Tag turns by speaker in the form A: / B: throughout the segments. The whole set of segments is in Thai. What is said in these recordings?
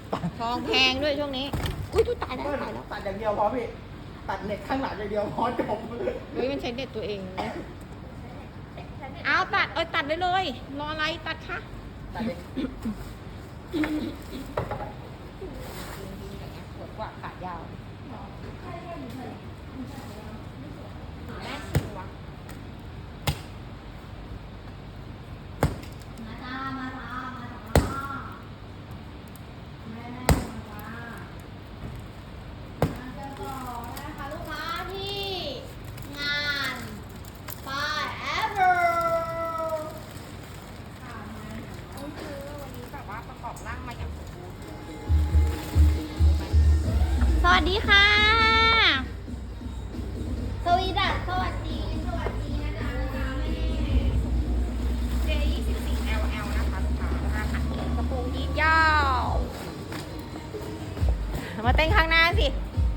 A: ทองแพงด้วยช่วงนี้ อุ้ยตายแล้วตายแล้ว
B: ตัดอย่างเดียวพอพี่ตัดเน็ตข้างหลังอย่างเดียวพอจบ
A: เฮ้ยมันใช้เด็ดตัวเองนะเอาตัดตัดได้เลยรออะไรตัดค่ะ
B: ตัดเลย
A: สวยกว่าขายาวแม่สวย
C: มาจ้ามาจ้ามาจ้าแม่มาจ้ามาเจอต่อนะคะลูกค้าที่งานป้าย ever ค่ะมา
A: ต้องซื้อวันนี้แบบว่าประกอบร่างมาอย่างสมบูรณ์สวัสดีค่ะ
C: สวีดัสสวัสดีนะจ๊ะแม่
A: J24LL นะคะลูกค้าราคากระโปรงยีนยาวมาเต้นข้างหน้าสิ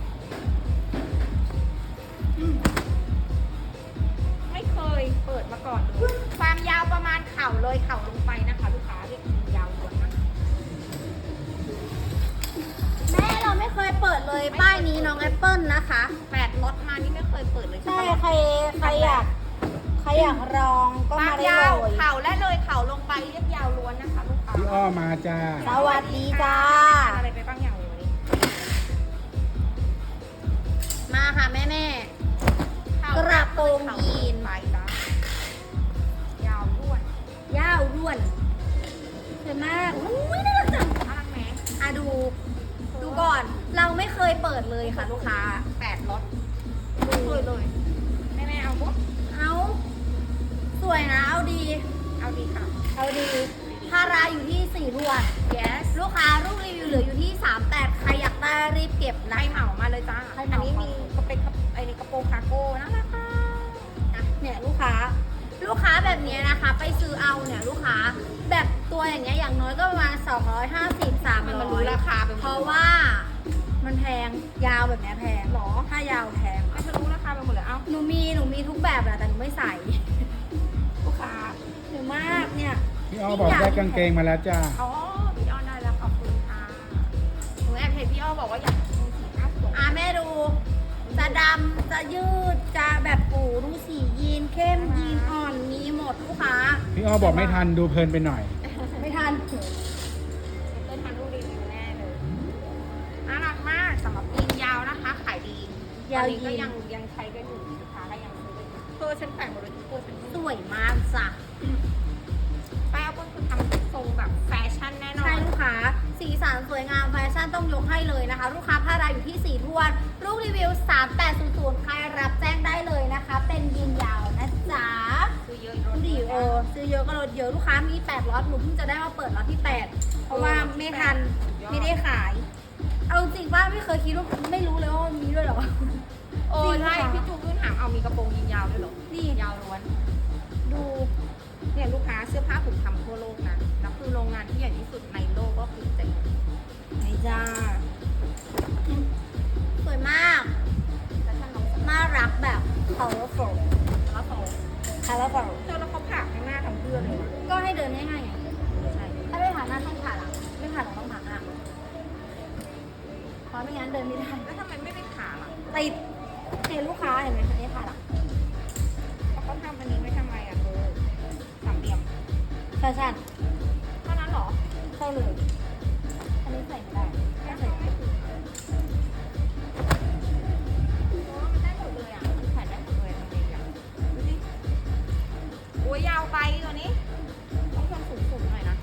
A: ไม่เคยเปิดมาก่อนเลยความยาวประมาณเข่าเลยเข่าลงไปนะคะลูกค้าเรียกยีนยาวล้วนนะ
C: แม่เราไม่เคยเปิดเลยป้ายนี้น้องแอปเปิลนะคะ
A: 8 รถมานี่ไม่เคยเปิดเลย
C: ใช่
A: ปะ
C: ใครอยากลองก็
A: ความ
C: มาได้
A: ยาว
C: เลย
A: เข่าและเลยเข่าลงไปเรียกยาวล้วนนะคะลูกค้า
D: พี่อ้อมาจ้า
C: สวัสดีจ้า
A: อะไรไปบ้างอย่างเลย
C: มาค่ะแม่ กระโปรงยีน
A: ไปจ้ะยาวล้วน
C: ยาวด้วนสวยมากอุ้ยน่ารักจัง
A: น่ารักไหม
C: อ่ะดูก่อน เราไม่เคยเปิดเลยค่ะลูกค้า
A: 8 รถเลยแม่เอาปุ๊บ
C: เอาสวยนะ เอาดี
A: เอาดีค่ะ
C: เอาดีพาราอยู่ที่4รวด
A: yes
C: ลูกค้าลูกรีวิวเหลืออยู่ที่38ใครอยากได้รีบเก็บ
A: ไล่
C: นะ
A: เหมามาเลยจ้า
C: ให้
A: อัน
C: เหมา
A: นี้มีก็เป็นไอ้นี่กระโปรงคาร์โก้น่ารักค่ะ
C: เนี่ยลูกค้าแบบนี้นะคะ ไปซื้อเอาเนี่ยลูกค้าแบบตัวอย่างเงี้ยอย่างน้อยก็ประมาณ250
A: มันรู้รา
C: 300
A: คาไปหม
C: เพ
A: ด
C: ราะว่ามันแพงยาวแบบเนี้ยแพง
A: หรอ
C: ถ้ายาวแพง
A: ไม่จะรู้ราคาไปหมดเลยเอ้า
C: หนูมีทุกแบบแหละแต่หนูไม่ใส่
A: ลูกค้า
C: หนูมากเนี่ย
D: พี่อ้อบอกได้กางเกงมาแล้วจ้า
A: อ๋อพี่อ้อได้แล้วขอบคุณค่ะหนูแอบเห็นพี่อ้อบอกว่าอยากดูสีหน้าสวย
C: แม่ดูจะดำจะยืดจะแบบปูดูสียีนเข้มยีนอ่อนมีหมดลูกค้า
D: พี่อ้อบอกไม่ทันดูเพลินไปหน่อย
C: ไม่ทัน
A: เต้นทันรูปรีวิวแน่เลยน่ารักมากสำหรับยีนยาวนะคะ ขายดี
C: ยาว
A: ตอนนี้ก็
C: ยีน
A: ยังใช้กันอยู่ลูกค้าก็ยังซื้อกันอยู่เธอฉันแต่งหมดเลยทุกตัวฉัน
C: สวยมากจ้ะ
A: แป้วก็คือทำทรงแบบแฟชั่นแน่นอ
C: ใช่
A: น
C: ลูกค้าสีสันสวยงามแฟชั่นต้องยกให้เลยนะคะ ลูกค้าพาราอยู่ที่4ทวนลูกรีวิว3800ใครรับแจ้งได้เลยนะคะ เป็นยีนยาวนะจ๊ะ
A: ซื้อเยอะ
C: ดูดิซื้อเยอะก็ลดเยอะลูกค้ามี8ล็อตหนูเพิ่งจะได้มาเปิดล็อตที่8เพราะว่าไม่ทันไม่ได้ขาย เอาจริงว่าไม่เคยคิดว่าไม่รู้เลยว่ามันมีด้วยเหรอ
A: โอ้
C: จริง
A: ใช่
C: ค่ะ
A: พี่จูขึ้นถามเอามีกระโปรงยีนยาวด้วยเหรอ
C: นี่
A: ยาวล้วน
C: ดู
A: เนี่ยลูกค้าเสื้อผ้าผมทำทั่วโลกนะแล้วคือโรงงานที่ใหญ่ที่สุดในโลกก็คือเจ๋ง
C: ไหนจ้าสวยมาก
A: แต่ถ้าน้องส
C: น่ารักแบบ colorful
A: แล้วเขา
C: colorful
A: เจอแล้วเขาผ่าข้างหน้าทั้งเพื่อนเลยนะ
C: ก็ให้เดินง่ายๆไง
A: ใช่
C: ถ้าไม่ผ่านหน้าต้องผ่านหลังไม่ผ่านหลังต้องผ่านหน้าเพราะไม่งั้นเดินไม่ได้
A: แล้วทำไมไม่ไปผ่าล่ะ
C: ติดเห็นลูกค้าเห็นไหมอันนี้ผ่านหลัง
A: เพราะเขาทำอันนี้ไว้ทำไมอ่ะเธอสามเหลี่ยม
C: แฟชั่น
A: เท่านั้นเหรอ
C: เข้าเลยอันนี้ใส่ไม่ได้ไม่ใส่
A: ไม่ถึงมันได้หมดเลยอ่ะมันแขวนได้หมดเลยทำไงอ่ะดูสิโอ้ยยาวไปตัวนี้ต้องทำสูงๆหน่อยนะ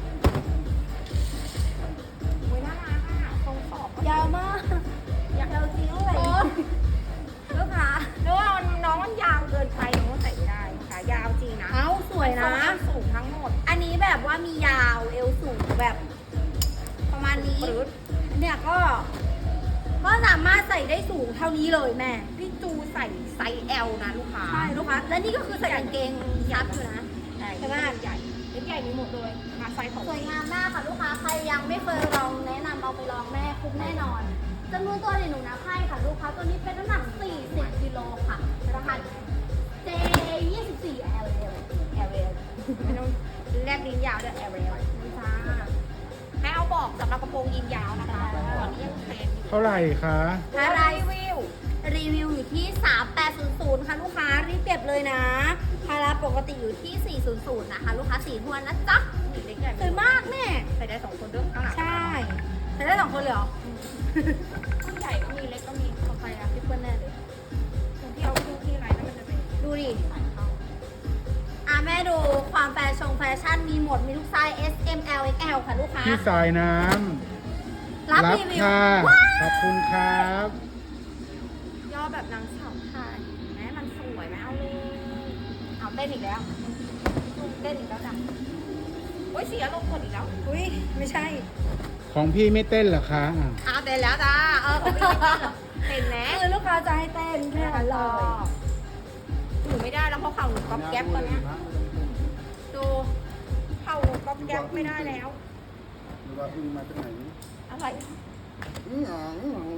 A: โอ้ยน่ารักอ่ะทรงขอบ
C: ยาวมากยาวจริงเลยลูกค้า
A: นึกว่าน้องมันยาวเกินไปน้องมันใส่ไม่ได้ขายาวจริงนะ
C: เอ้าสวยนะ
A: ทรงสูงทั้งหมด
C: อันนี้แบบว่ามียาวเอวสูงแบบ ประมาณนี้
A: ปรื๊ด
C: เนี่ยก็สามารถใส่ได้สูงเท่านี้เลยแม่
A: พี่จูใส่ไซส์ L นะลูกค้า
C: ใช่ลูกค้าและนี่ก็คือใส่กางเกงยับอยู่นะ
A: ใช่
C: ใช่ไหม
A: ใหญ่เล็กใหญ่มีหมดเลยมาไซส์ของ
C: สวยงามมากค่ะลูกค้าใครยังไม่เคยลองแนะนำเอาไปลองแม่คุ้มแน่นอนจำนวนตัวเดี๋ยวหนูนับให้ค่ะลูกค้าตัวนี้เป็นน้ำหนัก40กิโลค่ะรหัส J24 L L
A: ไม่ต้องแลบลิ้นยาวด้วย L นี่จ้าให้เอาบอกสำหรับกระโปรงยีนยาวนะคะตอนนี้ยังเทรนอยู่
D: เท่าไหร่คะ
A: อะไรวิว
C: รีวิวอยู่ที่ 3800 ค่ะลูกค้ารีบเก็บเลยนะพาราปกติอยู่ที่ 400 นะคะ ลูกค้าสีทวนนะจ๊ะ
A: นี่เล็กใหญ่
C: สวยมากแม่
A: ใส่ได้สองคนด้วยข้างหลัง
C: ใช่ใช้ได้2คนเลยเหรอ
A: รุ่นใหญ่ก็มีเล็กก็มี
C: ของใครอะพี่เปิ้ลแน่เลย
A: ตรงที่เอาดูที่อะไรแล้วมันจะเป็น
C: ดูดิ
A: สายเข้า
C: แม่ดูความแฟชั่นมีหมดมีทุกไซส์ S M L X L ค่ะลูกค้า
D: พี่สายน้
C: รับ
D: ำ
C: รีวิว
D: ค่ะ
C: ว้า
D: ขอบคุณครับ
A: ย่อแบบนางสาวไทยแม้มันสวยไหมเอาเลยเอาเต้นอีกแล้วเต้นอีกแล้วจ้ะโอ้ยเสียลงกดอีกแล้ว
C: อุ้ยไม่ใช่
D: ของพี่ไม่เต้นเหรอคะอ่ะ
A: เอาเต้นแล้วจ้าของพี่ไม่เต้นเหรอเต้นแน่
C: คือลูกค้าจะให้เต้นแค่นั้นเลย
A: หนูไม่ได้แล้วเพราะเข่าหนูก๊อบแก๊บตอนเนี้ยดูเข่าหนูก๊อบแก๊บไม่ได้แล้ว
B: หรือว่าอึ้งมาจากไหน
A: อะไร
B: อึ้งหาง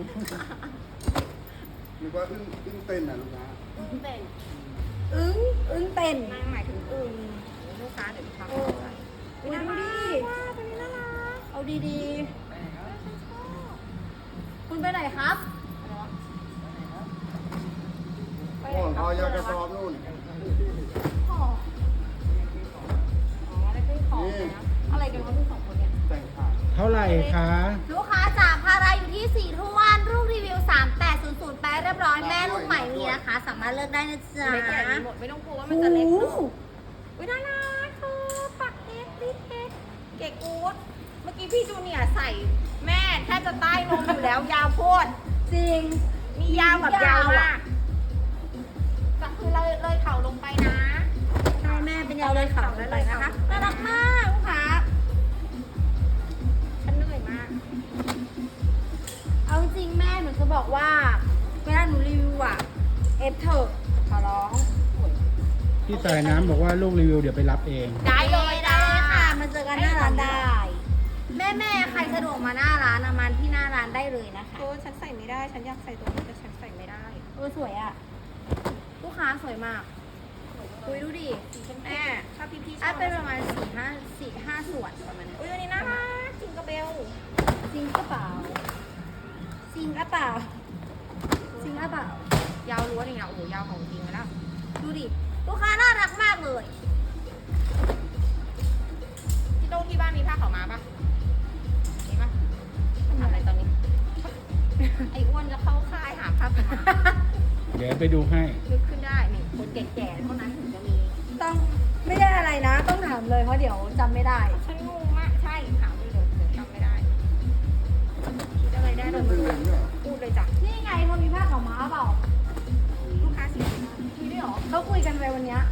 B: หรือว่าอึ้งเต้นน่ะลูกค้า
A: เต้น
C: อึ้งเต้น
A: นางหมายถึงอึงลูกค้าเดี๋ยวลูกค้า
C: โอ้
A: เข้าใจ
C: อุ๊ยดูดิ
A: ว้าวตัวนี้น่ารัก
C: เอาดีๆ คุณไปไหนครับ
A: ไป
B: โอ้
A: ไหน
B: พอยากระสอบนู่น
C: อ๋อ
A: อ๋ออะไรเป็นของนะอะไรกันวะพี่สองคนเนี่ย
B: แต่งขาด
D: เท่าไหร่คะ
C: ลูกค้าจากพาราอยู่ที่4ทวนรูปรีวิว 3800 ไปเรียบร้อยแม่ลูกใหม่มีนะคะ สามารถเลือกได้นะจ๊ะ
A: เล็กใหญ่มีหมดไม่ต้องกลัวว่ามันจะเล็กเนอะอุ้ยน่ารักเธอปักเอสติดเอสเก๋กู๊ดเมื่อกี้พี่จูเนียร์ใส่แม่แทบจะใต้นมอยู่แล้วยาวโพด
C: จริง
A: มียาวแบบยาวมากก็คือเลยเข่าลงไปนะ
C: ใช่แม่เป็นยาวเลยขาวเลยนะคะน่ารักมากลูกค้า
A: ฉันเหนื่อยมาก
C: เอาจริงแม่หนูจะบอกว่าเวลาหนูรีวิวอะเอฟเถอะขอร้อง
D: พี่สายน้ำบอกว่าลูกรีวิวเดี๋ยวไปรับเอง
A: ได้เลย
C: ได้เลยค่ะ มาเจอกันหน้าร้านได้ แม่ใครสะดวกมาหน้าร้านอะมาที่หน้าร้านได้เลยนะคะ
A: โอ้ฉันใส่ไม่ได้ ฉันอยากใส่ตัวนี้แต่ฉันใส่ไม่ได้
C: สวยอะลูกค้าสวยมากคุยดูดิ
A: แม่ถ้าพี่ชอ
C: อ่ะ
A: บ
C: เป็นประมาณ4-5ส่วนประมาณนี้
A: อุ้ยตัวนี้น่ารักจิงกระเบล
C: จริงกระเป๋าจริงกระเป๋าจริงกระเป๋าย
A: าวล้วนอีกแล้วโอ้โหยาวของจริงแล้ว
C: ดูดิลูกค้าน่ารักมากเลย
A: ที่โต๊ะที่บ้านมีผ้าขาวม้าปะมีปะทำอะไรตอนนี้ ไอ้อ้วนจะเข้าค่ายหาผ้าขาวม้า
D: เดี๋ยวไปดูให้
A: นึกขึ้นได้นี่คนแก่ๆเท่านั้นถึงจะมี
C: ต้องไม่ได้อะไรนะ ต้องถามเลยเพราะเดี๋ยวจำไม่ได้
A: ฉันงงมากใช่ถามไปเลยเดี๋ยวจำไม่ได้คิดอะไรได้เลย
B: เป็นเหลืองเนี่ย
A: พูดเลยจ้ะ
C: นี่ไงเขามีผ้าขาวม้าเปล่า
A: ลูกค้าสีอะไร
C: มีด้วยเหรอเขาคุยกันไปวันเนี้ย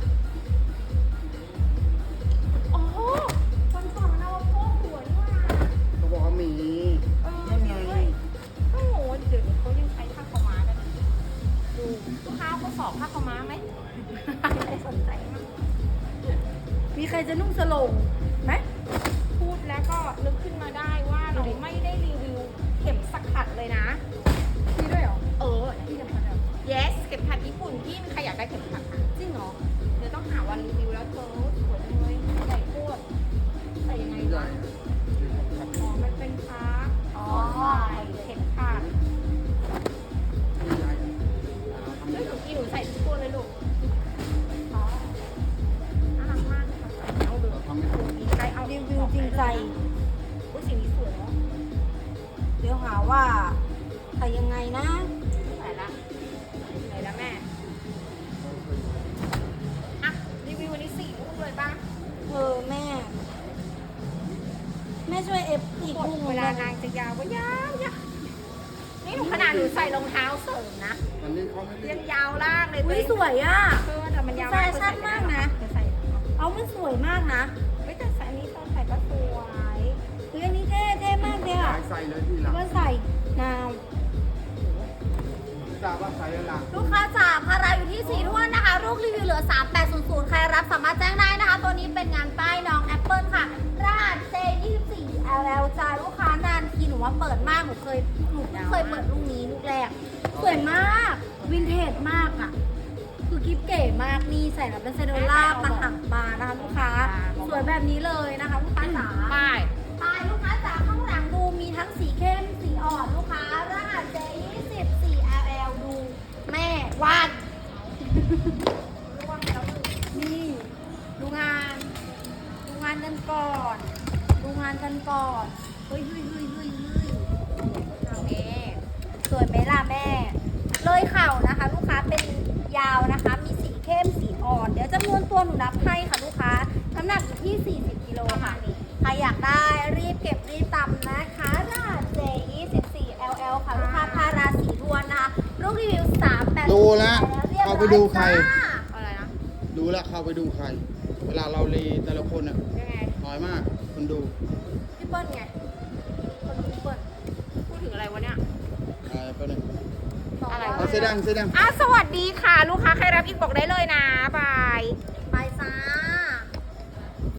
A: โอ้โหวันก่อนมันเอาโพกหัวนี่ว่า
B: เขาบอกว่ามี นั่นไง
A: โอ้โหเดี๋ยวนี้เขายังใช้ผ้าขาวม้ากันอยู่ดูลูกค้าเขาสอบผ้าขาวม้าไหมไม่ได้สนใจมาก
C: มีใครจะนุ่งสโลงไหม
A: พูดแล้วก็นึกขึ้นมาได้ว่าเราไม่ได้รีวิวเข็มสกัดเลยนะ
C: มีด้วยเหรอ
A: เออที่เข็มขัด yes เข็มขัดญี่ปุ่นพี่มีใครอยากได้เข็มขัดคะ
C: จริงเหรอ
A: เดี๋ยวต้องหาวันรีวิวแล้วเธอสวยจังเลยใหญ่โคตรใส่ยังไง
B: ใหญ่
A: วะอ๋อมันเป็นพาร์ทอ๋อเข็มขัด
B: ใหญ่
A: เฮ้ยเมื่อกี้หนูใส่ทุกตัวเลยลูกอ๋อน่ารักมากค่ะเอาดูมีใครเอา
C: รีวิวจริงใจ
A: อุ้ยสีนี้สวยเนาะ
C: เดี๋ยวหาว่าใครยังไงนะ
A: ใส่ละไหนละแม่อ่ะรีวิววันนี้4ลูกเลยป่ะ
C: แม่ แม่ช่วยเอฟอีก
A: กด
C: ลูก
A: เว
C: เว
A: ลา
C: ลาน
A: างจะยาวก็ยาวยาวนี่หนูขนาดหนูใส่รองเท้าเสริมนะ
B: อันนี้เขาไม่เรีย
A: ยั
B: ก
A: งยาวล่างเลย
C: อุ้ยสวยอ่ะ
A: เออแต่มันยาว
C: แฟชั่นมากนะ
A: จะใส่
C: เอามันสวยมากนะ
A: เฮ้ยแต่ใส่อันนี้ตอนใส่ก็สวย
C: เฮ้ยอันนี้เท่มากเลยอ่ะ
B: ใส่เลยทีหลัง
C: ว่าใส่นาว
B: ทราบว่าใส่แล้วหลัง
C: ลูกค้าจ๋าพาราอยู่ที่4ทวนนะคะลูกรีวิวเหลือ 3800 ใครรับสามารถแจ้งได้นะคะ ตัวนี้เป็นงานป้ายน้องแอปเปิลค่ะรหัส J24 LL จ้าลูกค้านานทีหนูว่าเปิดมากหนูเพิ่งเคยเปิดลูกนี้ลูกแรก สวยมาก วินเทจมากอ่ะ คือกิฟเก๋มากนี่ใส่แล้วเป็นเซโดล่าปะหังปลานะคะลูกค้า สวยแบบนี้เลยนะคะลูกค้าจ๋า
A: ป้าย
C: ไปลูกค้าจ๋าข้างหลังานกันก่อนเฮ้ยเอาแม่สวยไหมล่ะแม่ เลยเข่านะคะ ลูกค้าเป็นยาวนะคะ มีสีเข้มสีอ่อน เดี๋ยวจำนวนตัวหนูนับให้ค่ะลูกค้า น้ำหนักอยู่ที่ 40 กิโลค่ะ ใครอยากได้รีบเก็บรีบตำนะคะราเจ24 LL ค่ะ ลูกค้าพาราสีทวนนะคะลูกรีวิว380
B: ดูแล้ว
C: เรียบร้อย
B: เอาไปดูใคร
C: จ้า
A: อะไรนะ
B: ดูแล้วเข้าไปดูใคร เวลาเรารีแต่ละคนอ่ะ
A: ยังไง
B: น้อยมากคนดู
C: พี่เปิ้ลไงคนดูพี่เปิ้ล
A: พูดถึงอะไรวะเนี่ย
B: ไปหนึ่ง
C: บอก
A: อะไร
C: ว่า
B: เอาเสื้อแดง
A: สวัสดีค่ะ ลูกค้าใครรับอีกบอกได้เลยนะบาย
C: ไปจ้า